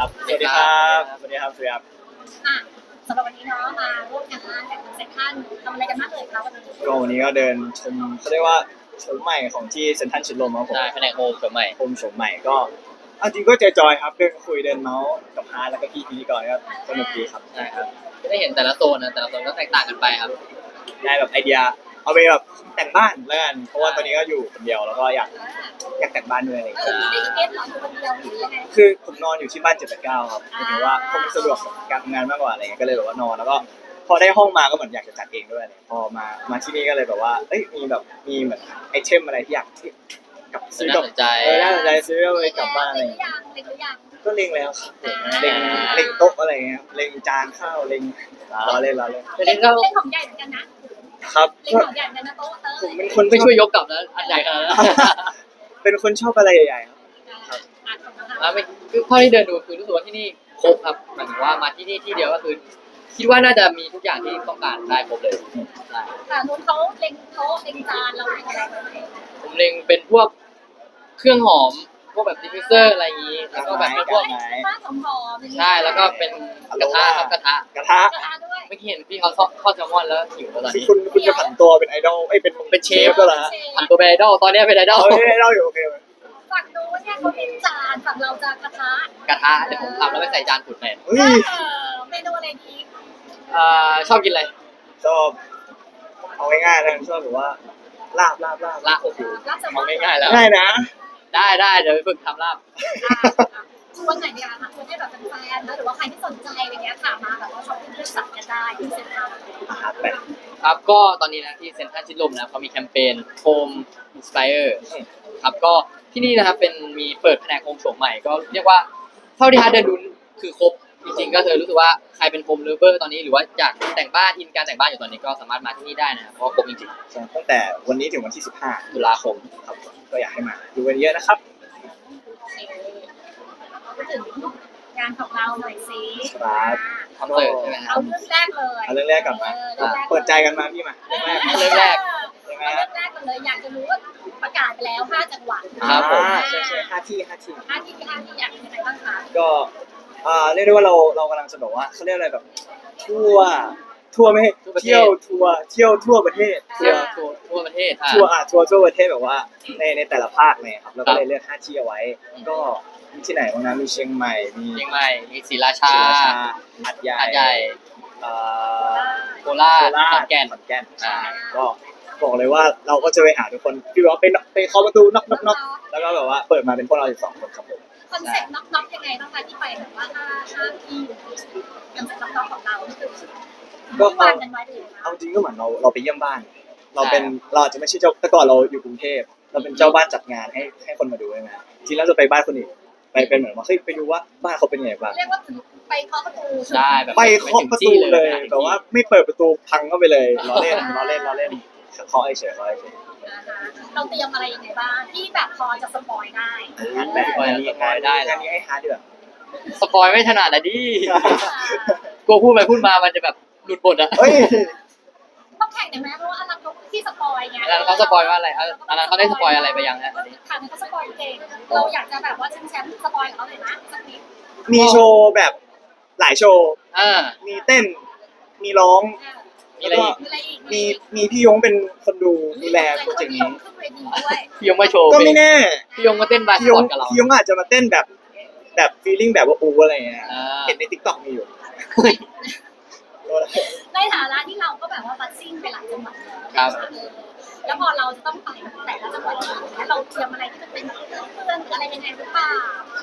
ครับสวัสดีครับสวัสดีครับสวัสดีครับอ่ะสำหรับวันนี้เนาะมาร่วมงานแต่เซ็นทรัลทำอะไรกันบ้างเลยคะวันนี้ก็วันนี้ก็เดินชมเขาเรียกว่าโฉมใหม่ของที่เซ็นทรัลชิดลมครับผมใช่แผนกโฮมโฉมใหม่โฉมใหม่ก็เอาจริงก็จอยๆครับเดินคุยเดินเมาส์กับฮาร์ดแล้วก็พี่พิธีกรก็สนุกดีครับใช่ครับจะได้เห็นแต่ละโซนนะแต่ละโซนก็แตกต่างกันไปครับได้แบบไอเดียเอาไปแบบแต่งบ้านแล้วกันเพราะว่าตอนนี้ก็อยู่คนเดียวแล้วก็อยากแต่งบ้านด้วยอะไรอย่างเอเงี้ยอได้อีเอสเหรออยู่คนเดียวหรือยังไงคือผมนอนอยู่ที่บ้าน789ครับหมายถึงว่าผมสะดวกกับการทำงานมากกว่าอะไรเงี้ยก็เลยแบบว่านอนแล้วก็พอได้ห้องมาก็เหมือนอยากจะจัดเองด้วยอะไรพอมาที่นี่ก็เลยแบบว่าเอ้ยมีเหมือนไอเทมอะไรที่อยากที่กับซื้อกับน่าสนใจน่าสนใจซื้อเอาไปกลับบ้านอะไรเล็งหรือยังเล็งหรือยังก็เล็งแล้วครับผมเล็งโต๊ะอะไรเงี้ยเล็งจานข้าวเล็งล้อเล่นแต่นี่เราเล็งของใหญ่เหมือนกันนะครับ เล็งของใหญ่เหมือนกันนะโต๊ะเตอร์ผมเป็นคนไม่ช่วยยกกลับนะอันใหญ่ขนาดนั้นเป็นคนชอบอะไรใหญ่ๆครับอ่ะของเราแล้วไม่คือเท่าที่เดินดูคือรู้สึกว่าที่นี่ครบครับหมายถึงว่ามาที่นี่ที่เดียวก็คือคิดว่าน่าจะมีทุกอย่างที่ต้องการได้ครบเลยใช่ค่ะนู้นเขาเล็งโต๊ะเล็งจานเราเล็งอะไรไว้ไหมผมเล็งเป็นพวกเครื่องหอมพวกแบบดิฟฟิวเซอร์อะไรอย่างนี้แล้วก็แบบเป็นพวกผ้าหอมๆใช่แล้วก็เป็นกระทะครับกระทะกระทะกระทะด้วยเมื่อกี้เห็นพี่เขาทอดแซลมอนแล้วหิวแล้วตอนคือนี้คุณจะผันตัวเป็นไอดอลเป็นเชฟก็แล้วผันตัวเป็นไอดอลตอนนี้เป็นไอดอลเฮ้ยไอดอลอยู่โอเคฝั่งนู้นเนี่ยเขาเล็งจานฝั่งเราจะกระทะกระทะเดี๋ยวผมทำแล้วไปใส่จานขุดแทนเฮ้ยเมนูอะไรดีชอบกินอะไรชอบเอาง่ายๆนะชอบแบบว่าลาบลาบโอ้โหรับแซลมเอาอนง่ายๆแล้วง่ายนะได้เดี๋ยวไปฝึกทำลาบชวนไหนดีคะชวนให้แบบแฟนๆนะหรือว่าใครที่สนใจอะไรเงี้ยค่ะมาแบบว่าช้อปปิ้งด้วยสัตว์กันได้ที่เซ็นทรัลแบบครับก็ตอนนี้นะที่เซ็นทรัลชิดลมนะเขามีแคมเปญ Home Inspire ครับก็ที่นี่นะครับมีเปิดแผนกโฮมโฉมใหม่ก็เรียกว่าเท่าที่ฮาร์ดเดินดูคือครบจริงๆก็เธอรู้สึกว่าใครเป็นโฮมเลเวอร์ตอนนี้หรือว่าอยากแต่งบ้านอินการแต่งบ้านอยู่ตอนนี้ก็สามารถมาที่นี่ได้นะครับเพราะว่าครบจริงตั้งแต่วันนี้ถึงวันที่15 ๆตุลาคมครับก็อยากให้มาดูกันเยอะนะครับพูดถึงงานของเราหน่อยสิครับคอนเสิร์ตใช่ไหมครัเอาบเรื่องแรกเลยเอาเรื่องแรกก่อนมา เปิดใจกันมาพี่มาเรื่องแรกเรื่องแรกใช่ไหมเอาฮะเรื่องแรกกันเลยอยากจะรู้ว่าประกาศไปแล้ว5จังหวัดครับผมใช่5 ที่ 5ที่อยากเป็นยังไงบ้างคะก็เรียกได้ว่าเรากำลังจะบอกว่าเขาเรียกอะไรแบบทั่วไม่ให้เที่ยวทั่วประเทศทั่วประเทศทั่วประเทศแบบว่าในแต่ละภาคเนี่ยครับเราก็เลยเลือก5ที่เอาไว้ ก็มีที่ไหนบ้างนะมีเชียงใหม่มีเชียงใหม่มีศรีราชาศรีราชาหัดใหญ่หาดใหญ่เอ่อโคราชโคราขอชนแก่นขอนแก่นใช่ก็บอกเลยว่าเราก็จะไปหาทุกคนพี่ว่าไปเคาะประตูน็อกแล้วก็แบบว่าเปิดมาเป็นพวกเรา12คนครับผมคอนเซ็ปต์น็อกๆยังไงบ้างคะที่ไปแบบว่า5ที่คอนเซ็ปต์น็อกๆของเราคือก็วางกันไว้เลยเอาจริงก็เหมือนเราไปเยี่ยมบ้าน เราอาจจะไม่ใช่เจ้าแต่ก่อนเราอยู่กรุงเทพเราเป็นเจ้าบ้านจัดงานให้คนมาดูใช่ไหมจริงแล้วจะไปบ้านคนอื่นไปเป็นเหมือนว่าเฮ้ยไปดูว่าบ้านเขาเป็นยังไงบ้างเรียกว่าถึงไปเคาะประตูใช่แบบไปเคาะประตูเลยแต่ว่าไม่เปิดประตูพังเข้าไปเลยล้อเล่นเคาะเฉยนะคะเราเตรียมอะไรยังไงบ้างที่แบบพอจะสปอยได้งานแบบงานนี้ให้ฮาร์ดดีกว่าสปอยไม่ถนัดอะดิกลัวพูดไปพูดมามันจะแบบหลุดบทอะเฮ้ยต้องแข่งได้ไหมเพราะว่าอลันเขาที่สปอยไงอันนั้นเขาสปอยว่าอะไรอันนั้นเขาได้สปอยอะไรไปยังฮะค่ะเขาสปอยเก่งเราอยากจะแบบว่าแชมป์สปอยกับเขาเลยนะสักนิดมีโชว์แบบหลายโชว์ มีเต้นมีร้องมีอะไรอีกมีอะไรอีกมีพี่ยงเป็นคนดูแลโปรเจกต์นี้ขึ้นเวทีด้วยพี่ยงมาโชว์ก็ไม่แน่พี่ยงมาเต้นบาสพี่ยบอง ลกับเราพี่ยงอาจจะมาเต้นแบบฟีลลิ่งแบบว่าอูอะไรเงี้ยอ่าเห็นในทิกตอกมีอยู่ในฐานะที่เราก็แบบว่าบัสซิ่งไปหลายจังหวัดครับแล้วพอเราจะต้องไปแต่ละจังหวัดแล้วเราเตรียมอะไรที่มันเป็นเพื่อนๆอะไรยังไงหรือเปล่า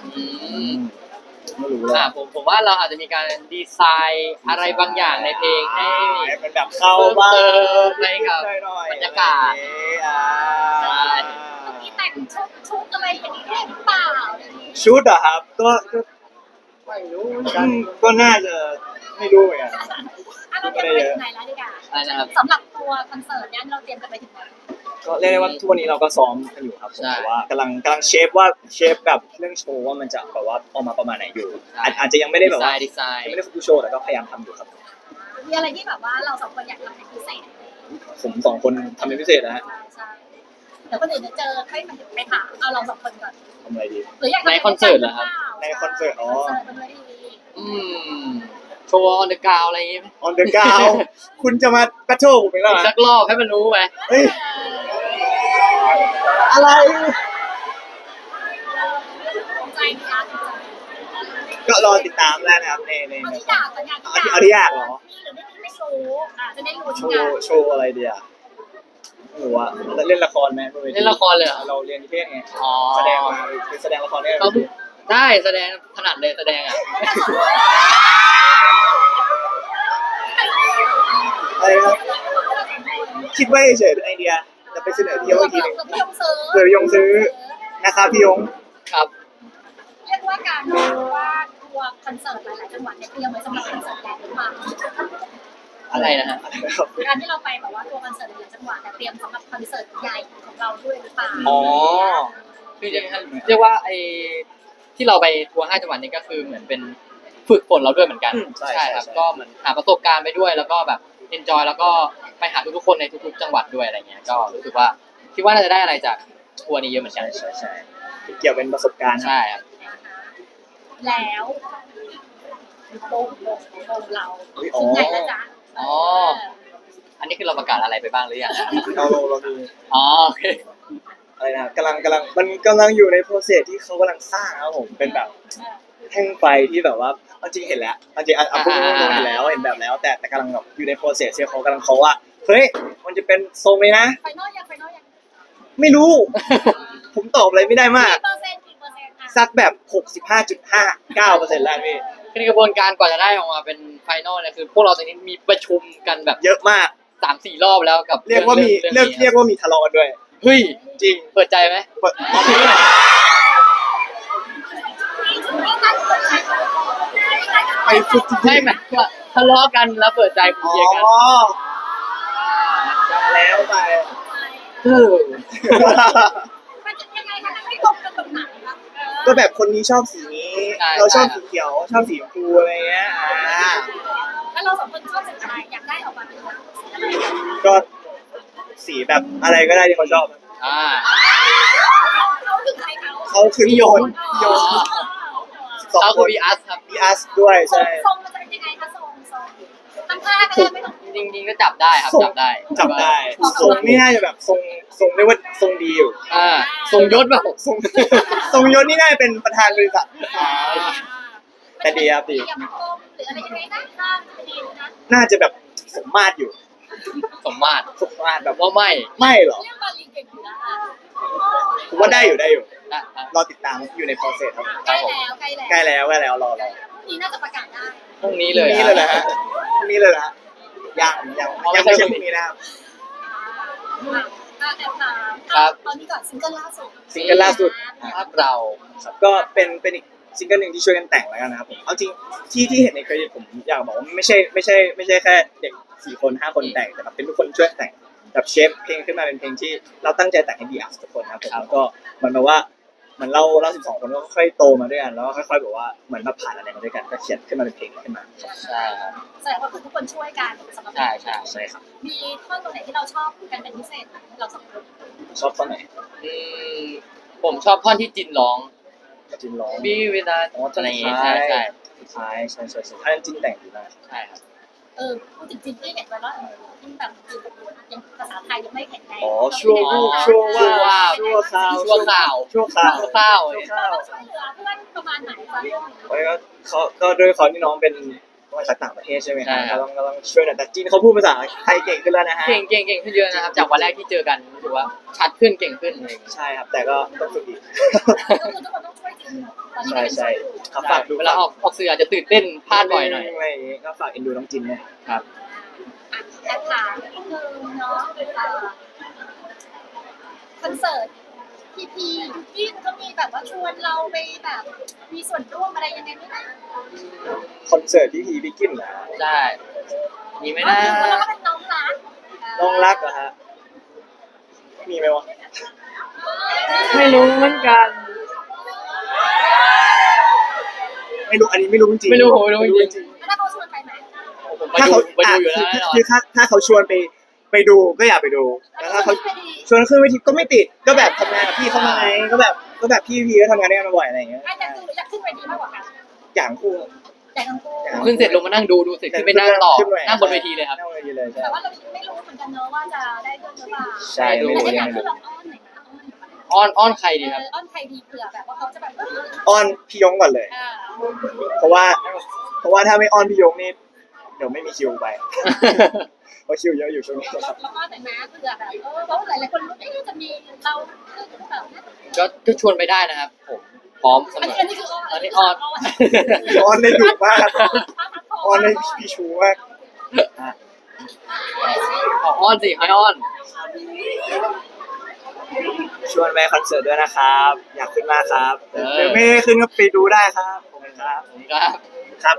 ไม่รู้เลยผมว่าเราอาจจะมีการดีไซน์อะไรบางอย่างในเพลงให้มันแบบเข้าบ้างเติมให้กับบรรยากาศ ใช่มีแต่งชุดอะไรอย่างนี้ได้หรือเปล่าชุดอะครับก็ไม่รู้ก็น่าจะไม่รู้เหมือนกันเราเตรียมไปถึงไหนแล้วดีกว่าอะไรนะครับสำหรับตัวคอนเสิร์ตเนี่ยเราเตรียมกันไปถึงไหนก็เรียกได้ว่าทุกวันนี้เราก็ซ้อมกันอยู่ครับผมใช่แต่ว่ากำลังเชฟกับเรื่องโชว์ว่ามันจะแบบว่าออกมาประมาณไหนอยู่ใช่อาจจะยังไม่ได้แบบว่าดีไซน์ยังไม่ได้ฟูลโชว์แต่ก็พยายามทำอยู่ครับมีอะไรที่แบบว่าเราสองคนอยากทำเป็นพิเศษผมสองคนทำเป็นพิเศษนะฮะใช่เดี๋ยวคนอื่นจะเจอให้ไปถามเอาเราสองคนก่อนทำอะไรดีหรืออยากในคอนเสิร์ตเหรอครับในคอนเสิร์ตอ๋อคอนเสิร์ตบนเวทีอืมโชว์ออนเดอะกราวอะไรอย่างงี้ไหม on the g r o u n คุณจะมาแบทเทิลผมอีกแล้วเหรอสักรอบให้มันรู้ไหมเฮ้ยอะไรใจดีอ่ะก็รอติดตามแล้วนะครับในเอาที่อยากก่อนอยากเอาที่อยากเหรอมีหรือไม่มีไม่รู้จะได้รู้โชที่อยากว์โชว์อะไรดีอ่ะหนูอะเล่นละครไหมบวทีเล่นละครเลยเหรอเราเรียนนิเทศไงอ๋อแสดงมาคือแสดงละครได้เขาได้แสดงถนัดเลยแสดงอ่ะอะไรครับคิดไว้เฉยๆเป็นไอเดียจะไปเสนอพี่ยงอีกทีหนึงพี่ยงซื้อเผื่อพี่ยงซื้อนะครับพี่ยงครับเรียกว่าการว่าทัวร์คอนเสิร์ตหลายๆจังหวัดเนี่ยเตรียมไว้สำหรับคอนเสิร์ตใหญ่หรือเปล่าอะไรนะฮะอะไรนะครับการที่เราไปแบบว่าทัวร์คอนเสิร์ตหลายๆจังหวัดแต่เตรียมสำหรับคอนเสิร์ตใหญ่ของเราด้วยหรือเปล่าอ๋อคือจะเรียกว่าไอ้ที่เราไปทัวร์5จังหวัดนี้ก็คือเหมือนเป็นฝึกฝนเราด้วยเหมือนกันครับก็เหมือนหาประสบการณ์ไปด้วยแล้วก็แบบเอนจอยแล้วก็ไปหาทุกๆคนในทุกๆจังหวัดด้วยอะไรเงี้ยก็รู้สึกว่าคิดว่าน่าจะได้อะไรจากทัวร์นี้เยอะเหมือนกันใช่เกี่ยวเป็นประสบการณ์ครับใช่ครับแล้วโป่งเราอ๋อถึงไหนแล้วจ๊ะอ๋ออันนี้คือเราประกาศอะไรไปบ้างหรือยังเราดูอ๋อโอเคอะไรนะกำลังมันกำลังอยู่ในโปรเซสที่เขากำลังสร้างครับผมเป็นแบบแท่งไฟที่แบบว่าเอาจริงเห็นแล้วเอาจริงพูดตรงๆเห็นแล้วเห็นแบบแล้ว แต่กำลังแบบอยู่ในโปรเซสที่เขากำลังเขาว่าเฮ้ยมันจะเป็นทรงเลยนะไฟนอลยังไม่รู้ ผมตอบอะไรไม่ได้มากกี่เปอร์เซ็นต์อ่ะสักแบบ 65.59%แล้วพี่คือกระบวนการกว่าจะได้ออกมาเป็นไฟนอลเนี่ยคือพวกเราตอนนี้มีประชุมกันแบบเยอะมาก 3-4 รอบแล้วกับเรียกว่ามีรื่องเรียกว่ามีทะเลาะกันด้วยเฮ้ยจริงเปิดใจไหมเปิดตอนนี้ ไปสุดจริงไม่หมายถึงว่าทะเลาะกันแล้วเปิดใจคุอ๋ยกันอแล้วไปเออมันจะยังไงคะไม่ตรงกันตรงไหนคะก็แบบคนนี้ชอบสีนี้ เราชอบสีเขียวชอบสีชมพูอะไรเงี้ยแล้วเราสองคนชอบสีอะไรอยากได้ออกมาเป็นแบบอะไรก็สีแบบอะไรก็ได้ที่เขาชอบอ่าเขาคือใครเขาเขาคือพี่โยนสอเขางคคือน บีอาร์ครับพี่อัสด้วยใช่ทรงมันจะเป็นยังไงคะทรงทำท่าก็ได้ไม่ต้องจริงๆก็จับได้ครับจับได้จับได้ทรงนี่น่าจะแบบทรงเรียกว่าทรงดีอยู่อ่าทรงยศแบบทรงทรงยศนี่น่าจะเป็นประธานบริษัทแต่ดีครับดีเตรียมกลมหรืออะไรยังไงนะข้ามจะดีนะน่าจะแบบสมมาตรอยู่สมมาตรสมมาตรแบบว่าไม่ไม่หรอเรื่องบาลีเก่งอยู่นะผมว่าได้อยู่อ่ะรอติดตามอยู่ใน process ครับใกล้แล้วรอนี่น่าจะประกาศได้พรุ่งนี้เลยนี่เลยนะฮะนี่เลยนะฮะยังไม่ใช่พรุ่งนี้นะครับแอบถามตอนนี้ก่อนซิงเกิลล่าสุดซิงเกิลล่าสุดภาพเราครับก็เป็นอีกซิงเกิลหนึ่งที่ช่วยกันแต่งแล้วกันนะครับผมเอาจริงที่เห็นในเครดิตผมอยากบอกว่าไม่ใช่แค่เด็ก4 คน 5 คนแต่งแต่แบบเป็นทุกคนช่วยแต่งแบบเชฟเพลงขึ้นมาเป็นเพลงที่เราตั้งใจแต่งให้ดีอาร์ทุกคนนะครับผมแล้วก็เหมือนแบบว่าเหมือนเรา12 คนก็ค่อยโตมาด้วยกันแล้วก็ค่อยๆแบบว่าเหมือนมาผ่านอะไรมาด้วยกันก็เขียนขึ้นมาเป็นเพลงขึ้นมาใช่ครับแสดงว่าทุกคนช่วยกันสำหรับใช่ใช่ใช่ครับมีท่อนตรงไหนที่เราชอบกันเป็นพิเศษเราสองคนชอบท่อนไหนอืมผมชอบท่อนที่จินร้องจินร้องบีเวลาอ๋ออะไรอย่างงี้ใช่ใช่สุดท้ายใช่ถ้าจินแต่งดีมากใช่ครับพูดถึงจินที่เห็นไว้ว่าที่แบบยังภาษาไทยยังไม่แข็งแรงอ๋อชั่ววูบชั่วว่าชั่วคราวชั่วข่าวชั่วคราวชั่วข้าวเราต้องช่วยเหลือเพื่อนประมาณไหนคะเพราะก็ด้วยความที่น้องเป็นมาจากต่างประเทศใช่ไหมครับก็ต้องช่วยหน่อยแต่จีนเขาพูดภาษาไทยเก่งขึ้นแล้วนะฮะเก่งขึ้นเยอะนะครับ จากวันแรกที่เจอกันรู้สึกว่าชัดขึ้นเก่งขึ้นอะไรอย่างเลยใช่ครับแต่ก็ต้องฝึกอีกก็คือทุกคนต้องช่วยจินตอนนี้ใช่ครับฝากดูเวลาออกสื่ออาจจะตื่นเต้นพลาดบ่อยหน่อยอะไรอย่างงี้ก็ฝากเอ็นดูน้องจินเนี่ยครับแอบถามนิดนึงเนาะคอนเสิร์ตพียูกินเขามีแบบว่าชวนเราไปแบบมีส่วนร่วมอะไรยังไงไหมนะคอนเสิร์ตที่พีบิกินนะใช่มีไหมอ๋อนะแล้วก็เป็นน้องรักน้องรักเหรอฮะมีไหมวะไม่รู้เหมือนกันไม่รู้อันนี้ไม่รู้จริงไม่รู้ผมไม่รู้จริงแล้วถ้าเขาชวนไปไหมผมถ้าเขาไปดูอยู่แล้วแน่นอนคือถ้าเขาชวนไปดูก็อยากไปดูแล้วถ้าเขาไปดีชวนขึ้นเวทีก็ไม่ติดก็แบบทำงานกับพี่เขามาไงก็แบบพี่พีก็ทำงานด้วยกันมาบ่อยอะไรอย่างเงี้ยแต่คืออยากขึ้นเวทีมากกว่ากันอย่างคู่แต่ทั้งคู่ขึ้นเสร็จลงมานั่งดูเสร็จขึ้นไปนั่งต่อขึ้นไปนั่งบนเวทีเลยครับนั่งบนเวทีเลยใช่แต่ว่าเราไม่รู้เหมือนกันเนอะว่าจะได้ขึ้นหรือเปล่าใช่ดูไม่รู้แต่ยัอยาง กไม่ขึ้นรู้ลองอ้อนหน่อยนะอ้อนหน่อยอ้อนใครดีครับอ้อนใครดีเผื่อแบบว่าเขาจะแบบอ้อนพี่ยงก่อนเลย เพราะว่าถ้าไม่อ้อนพี่ยงนี่เดี๋ยวไม่มีคิวไปเพราะคิวเยอะอยู่ช่วงนี้ครับแล้วก็แต่นะเผื่อแบบเพราะหลายๆคนรู้จะมีเราขึ้นหรือเปล่าก็ชวนไปได้นะครับผมพร้อมเสอันมอนี้คืออ้อนอันนี้อ้อนอ้อนได้ดุมากอ้อนได้พี่ชูมากอ้อนสิให้อ้อนชวนไปคอนเสิร์ตด้วยนะครับ อยากขึ้นมากครับเออหรือไม่ได้ขึ้นก็ไปดูได้ครับขอบคุณครับครับครับ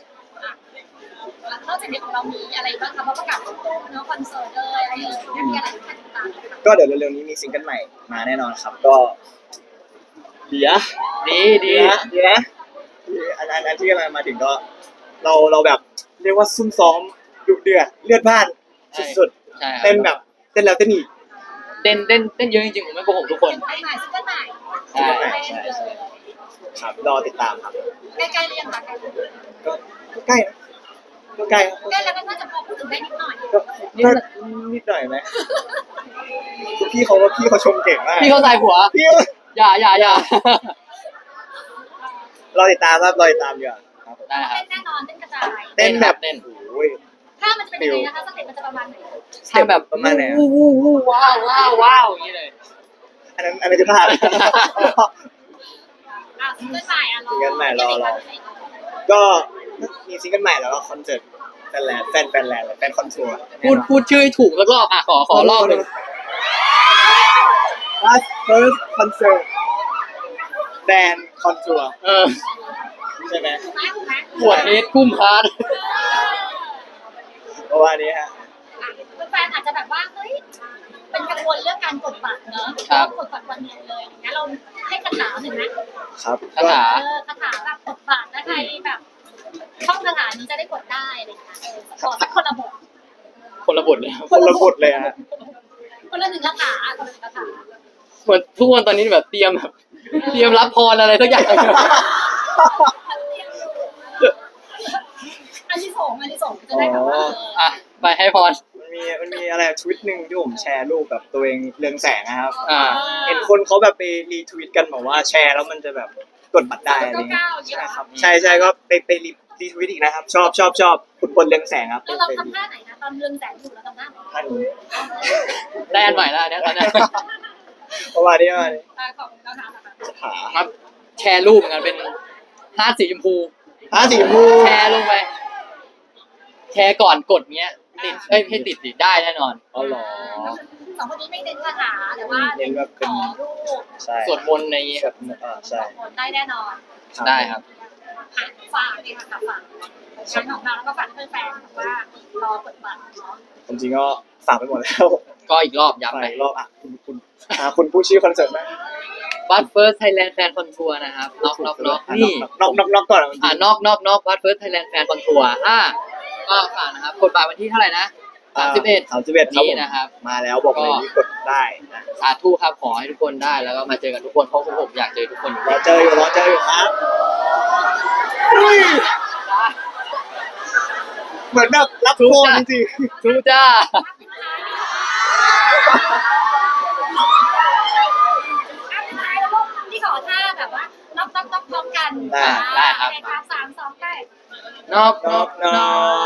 นอกจากนี้ของเรามีอะไรบ้างคะเพราะประกาศตู้เนาะคอนเสิร์ตเลยอะไรเลยมีอะไรที่ติดตามก็เดี๋ยวเร็วๆนี้มีซิงเกิลใหม่มาแน่นอนครับ ก็เดี๋ยวดีดีนะอันที่กำลังมาถึงก็เราแบบเรียกว่าซุ่มซ้อมดุเดือดเลือดพล่านสุดใช่คๆรับเต้นแบบเต้นแล้วเต้นอีกเต้นเยอะจริงๆผมไม่โกหกทุกคนใหม่ซิงเกิลใหม่ใช่ครับรอติดตามครับใกล้ๆเรียงค่ะก็ใกล้นะก็ใกล้ครับใกล้แล้วก็น่าจะพอพูดถึงได้นิดหน่อยก็นิดหน่อยไหมพี่เขาชมเก่งมากพี่เขาใส่หัวพี่อย่ารอติดตามครับรอติดตามดีกว่าครับผมได้ครับแน่นอนเต้นกระจายเต้นแบบเต้นโอ้ยถ้ามันจะเป็นยังไงนะคะสเต็ปมันจะประมาณไหนถ้าแบบประมาณไหนอะวู้ว้าวอย่างนี้เลยอันนั้นคือท่าซิงเกิลใหม่รอซิงเกิลใหม่รอ ก็มีซิงเกิลใหม่แล้วก็คอนเสิร์ตแฟนแลนด์แฟนคอนทัวร์พูดชื่อให้ถูกสักรอบอ่ะขอรอบหนึ่ง Last first concert แฟนคอนทัวร์เออใช่ไหมถูกไหมปวดเฮดกุ้มฮาร์ดเพราะว่านี้ฮะแฟนอาจจะแบบว่าเฮ้ยเป็นกังวลเรื่องการกดบัตรเนอะกดบัตรวันเดียวเลยงั้นเราให้คาถาหนึ่งนะครับคาถาคาถาแบบกดบัตรนะใครแบบช่องคาถานี้จะได้กดได้อะไรอย่างเงี้ยขอสักคนละบทคนละบทเลยครับคนละบทเลยฮะคนละหนึ่งคาถาคนละหนึ่งคาถาเหมือนทุกคนตอนนี้แบบเตรียมรับพรอะไรสักอย่างอันที่สองจะได้แบบว่าอ่ะไปให้พรมันมีอะไรทวิตหนึ่งที่ผมแชร์รูปแบบตัวเองเรืองแสงนะครับอ่าเห็นคนเขาแบบไปรีทวิตกันบอกว่าแชร์แล้วมันจะแบบกดบัตรได้อะไรเงี้ยใช่ครับใช่ก็ไปรีทวิตอีกนะครับ ชอบคุณพลเรืองแสงครับแล้วเราทำท่าไหนนะตอนเรืองแสงอยู่เราทำท่าไหนท่านนี้ได้อันใหม่แล้วเนี่ยตอนเนี้ยเพราะว่านี้มาของเราทำแบบสถาครับ แชร์รูปเหมือนกันเป็นฮาร์ดสีชมพูสีชมพูแชร์ลงไป แชร์ก่อนกดเงี้ยติดให้ติดได้แน่นอนอ๋อเหรอสองคนนี้ไม่เน้นคาถาแต่ว่าเน้นขอรูปใช่สวดมนต์ในใช่คนได้แน่นอนได้ครับฝากเลยค่ะฝากงานของเราแล้วก็ฝากเพื่อนแฟนว่ารอกดบัตรเนาะจริงๆก็ฝากไปหมดแล้วก็อีกรอบฝากย้ำไปอีกรอบอ่ะคุณผู้ชื่อคอนเสิร์ตไหมบัตเฟิร์สไทยแลนด์แฟนคอนทัวร์นะครับน็อกนี่น็อกก่อนนอกบัตเฟิร์สไทยแลนด์แฟนคอนทัวร์ก็ฝากนะครับกดบัตรวันที่เท่าไหร่นะ31 ครับนี้นะครับมาแล้วบอกเลยนี่กดได้นะสาธุครับขอให้ทุกคนได้แล้วก็มาเจอกันทุกคนเพราะผมอยากเจอทุกคนอยู่รอเจออยู่ครับเหมือนแบบรับโทษจริงทูจ้าที่ขอท่าแบบว่าน็อกพร้อมกันได้ครับ 3 2ได้นอกๆน็อก